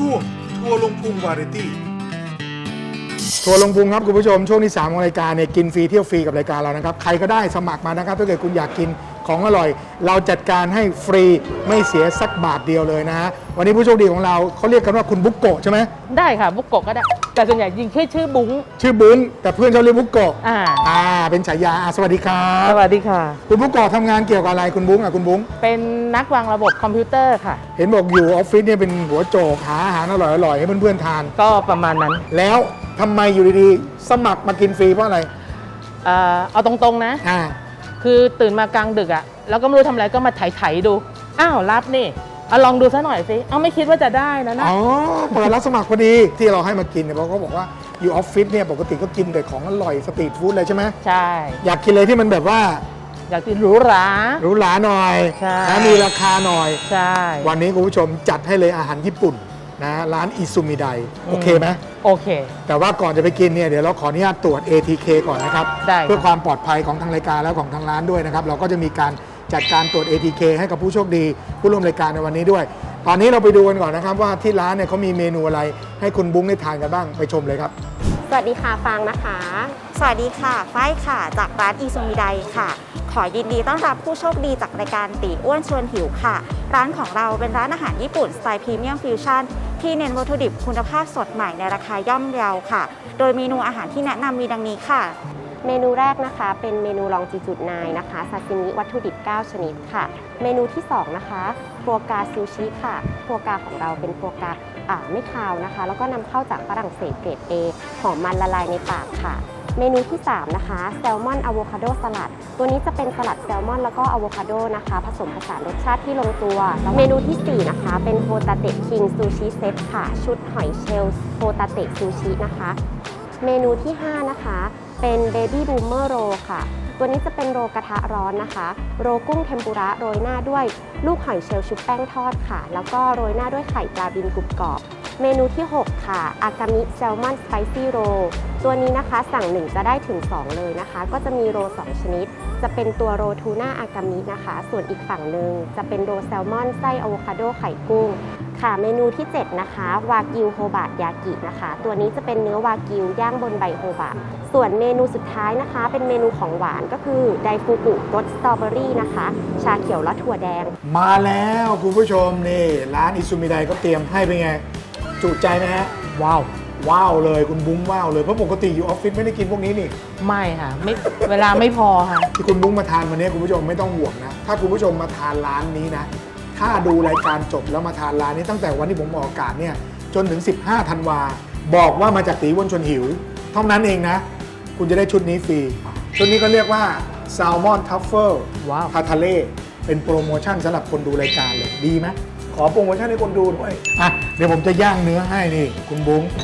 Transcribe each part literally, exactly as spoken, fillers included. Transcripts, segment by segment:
ช่วงทัวร์ลงพุงวาไรตี้ทัวร์ลงพุงครับคุณผู้ชมช่วงที่สามของรายการเนี่ยกินฟรีเที่ยวฟรีกับรายการเรานะครับใครก็ได้สมัครมานะครับถ้าเกิดคุณอยากกินของอร่อยเราจัดการให้ฟรีไม่เสียสักบาทเดียวเลยนะฮะวันนี้ผู้โชคดีของเราเขาเรียกกันว่าคุณบุกโกะใช่ไหมได้ค่ะบุกโกะก็ได้แต่ส่วนใหญ่จริงชื่อชื่อบุ้งชื่อบุ้งแต่เพื่อนเขาเรียกบุกโกะอ่าอ่าเป็นฉายาสวัสดีครับสวัสดีค่ะคุณบุกโกะทำงานเกี่ยวกับอะไรคุณบุ้งอ่ะคุณบุ้งเป็นนักวางระบบคอมพิวเตอร์ค่ะเห็นบอกอยู่ออฟฟิศเนี่ยเป็นหัวโจกหาอาหารอร่อยๆให้เพื่อนๆทานก็ประมาณนั้นแล้วทำไมอยู่ดีๆสมัครมากินฟรีเพราะอะไรเอ่อเอาตรงๆนะอ่าคือตื่นมากลางดึกอะแล้วก็ไม่รู้ทำอะไรก็มาไถๆดูอ้าวรับนี่เอาลองดูซะหน่อยสิเอาไม่คิดว่าจะได้นะนะอ๋อเปิดรับสมัครพอดีที่เราให้มากินเนี่ยเพราะเขาบอกว่าอยู่ออฟฟิศเนี่ยปกติก็กินแต่ของอร่อยสตรีทฟู้ดเลยใช่ไหมใช่อยากกินเลยที่มันแบบว่าอยากกินหรูหราหรูหราหน่อยใช่นะมีราคาหน่อยใช่วันนี้คุณผู้ชมจัดให้เลยอาหารญี่ปุ่นนะร้านอิซุมิไดโอเคไหมโอเคแต่ว่าก่อนจะไปกินเนี่ยเดี๋ยวเราขออนุญาตตรวจ เอ ที เค ก่อนนะครับเพื่อความปลอดภัยของทางรายการและของทางร้านด้วยนะครับเราก็จะมีการจัดการตรวจ เอ ที เค ให้กับผู้โชคดีผู้ร่วมรายการในวันนี้ด้วยตอนนี้เราไปดูกันก่อนนะครับว่าที่ร้านเนี่ยเขามีเมนูอะไรให้คุณบุ้งได้ทานกันบ้างไปชมเลยครับสวัสดีค่ะฟางนะคะสวัสดีค่ะฝ้ายค่ะจากร้านอิซุมิไดค่ะขอยินดีต้อนรับผู้โชคดีจากรายการตีอ้วนชวนหิวค่ะร้านของเราเป็นร้านอาหารญี่ปุ่นสไตล์พรีเมียมฟิวชั่นที่เน้นวัตถุดิบคุณภาพสดใหม่ในราคาย่อมเยาค่ะ โดยเมนูอาหารที่แนะนำมีดังนี้ค่ะเมนูแรกนะคะเป็นเมนูลองจิจุดนายนะคะซาซิมิวัตถุดิบเก้าชนิดค่ะเมนูที่สองนะคะฟัวกราซูชิค่ะฟัวกราของเราเป็นฟัวกราอ่าไม่คาวนะคะแล้วก็นำเข้าจากฝรั่งเศสเกรด A หอมมันละลายในปากค่ะเมนูที่สามนะคะแซลมอนอะโวคาโดสลัดตัวนี้จะเป็นสลัดแซลมอนแล้วก็อะโวคาโดนะคะผสมผสานรสชาติที่ลงตัวเมนูที่สี่นะคะเป็นโฮตาเตะคิงซูชิเซตค่ะชุดหอยเชลล์โฮตาเตะซูชินะคะเมนูที่ห้านะคะเป็นเบบี้บูมเมอร์โรค่ะตัวนี้จะเป็นโรกระทะร้อนนะคะโรกุ้งเทมปุระโรยหน้าด้วยลูกหอยเชลล์ชุบแป้งทอดค่ะแล้วก็โรยหน้าด้วยไข่ปลาบินกรุบกรอบเมนูที่หกค่ะอากามิแซลมอนสไปซี่โรตัวนี้นะคะสั่งหนึ่งจะได้ถึงสองเลยนะคะก็จะมีโรสองชนิดจะเป็นตัวโรทูน่าอากามินะคะส่วนอีกฝั่งหนึ่งจะเป็นโรแซลมอนไส้อะโวคาโดไข่กุ้งค่ะเมนูที่เจ็ดนะคะวากิวโฮบะยากินะคะตัวนี้จะเป็นเนื้อวากิวย่างบนใบโฮบะส่วนเมนูสุดท้ายนะคะเป็นเมนูของหวานก็คือไดฟูกุรสสตรอเบอรี่นะคะชาเขียวและถั่วแดงมาแล้วคุณผู้ชมนี่ร้านอิซุมิไดก็เตรียมให้เป็นไงจุใจไหมฮะว้าวว้าวเลยคุณบุ้งว้าวเลยเพราะปกติอยู่ออฟฟิศไม่ได้กินพวกนี้นี่ไม่ค่ะไม่เวลาไม่พอค่ะที่คุณบุ้งมาทานวันนี้คุณผู้ชมไม่ต้องห่วงนะถ้าคุณผู้ชมมาทานร้านนี้นะถ้าดูรายการจบแล้วมาทานร้านนี้ตั้งแต่วันที่ผมออกอากาศเนี่ยจนถึงสิบห้าธันวาบอกว่ามาจากตีอ้วนชวนหิวเท่านั้นเองนะคุณจะได้ชุดนี้ฟรีชุดนี้ก็เรียกว่าแซลมอนทัฟเฟิลพาทาเล่เป็นโปรโมชั่นสำหรับคนดูรายการเลยดีไหมขอโปรโมชั่นให้คนดูด้วยอ่ะเดี๋ยวผมจะย่างเนื้อให้นี่คุณบุ้ง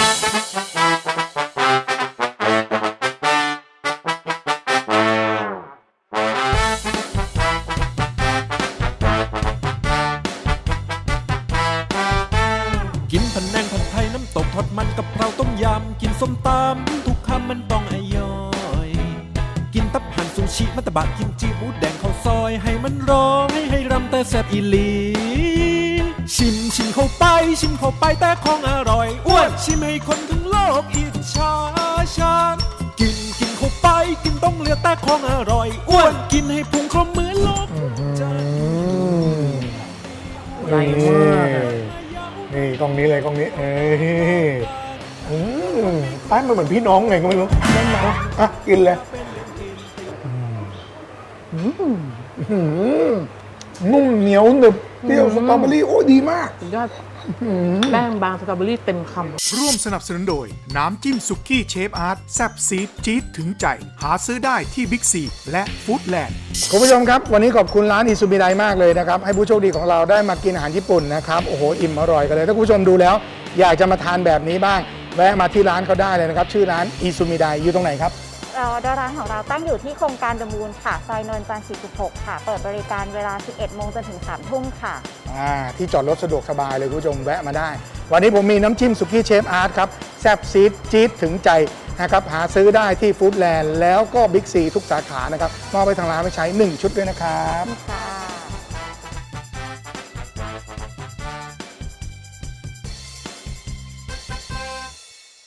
กินผัดแนงผัดไทยน้ำตกทอดมันกับเราต้มยำกินส้มตำทุกคำมันต้องอร่อยกินตับหั่นซูชิมัตตบะกิมจิหมูแดงข้าวซอยให้มันร้องให้ให้รำแต่แซ่บอีหลีชิมชิมเข้าไปชิมเข้าไปแต่ของอร่อยอ้วนชิมให้คนทั้งโลกอิจฉาฉันกินกินเข้าไปกินต้องเลือกแต่ของอร่อยอ้วนกินให้พุงครบเหมือนโลกใจใหญ่มากนี่กล้องนี้เลยกล้องนี้เอ้ยอืมป้ายมันเหมือนพี่น้องไงก็ไม่รู้ได้ไหมอ่ะกินเลยนุ่มเหนียวหนึบเปรี้ยวสตรอเบอรี่โอ้ดีมากยอดแป้งบางสตรอเบอรี่เต็มคำร่วมสนับสนุนโดยน้ำจิ้มสุกี้เชฟอาร์ตแซ่บซีดจี๊ดถึงใจหาซื้อได้ที่บิ๊กซีและฟู้ดแลนด์คุณผู้ชมครับวันนี้ขอบคุณร้านอิซุมิไดมากเลยนะครับให้ผู้โชคดีของเราได้มากินอาหารญี่ปุ่นนะครับโอ้โหอิ่มอร่อยกันเลยถ้าคุณผู้ชมดูแล้วอยากจะมาทานแบบนี้บ้างแวะมาที่ร้านเขาได้เลยนะครับชื่อร้านอิซุมิไดอยู่ตรงไหนครับเราร้านของเราตั้งอยู่ที่โครงการเดอะมูนค่ะซอยนนท์จันทร์สี่สิบหกค่ะเปิดบริการเวลาสิบเอ็ดโมงจนถึงสามทุ่มค่ะอ่าที่จอดรถสะดวกสบายเลยคุณผู้ชมแวะมาได้วันนี้ผมมีน้ำจิ้มสุกี้เชฟอาร์ตครับแซ่บซีดจี๊ดถึงใจนะครับหาซื้อได้ที่ฟู้ดแลนด์แล้วก็บิ๊กซีทุกสาขานะครับมอบไปทางร้านไปใช้หนึ่งชุดด้วยนะครับ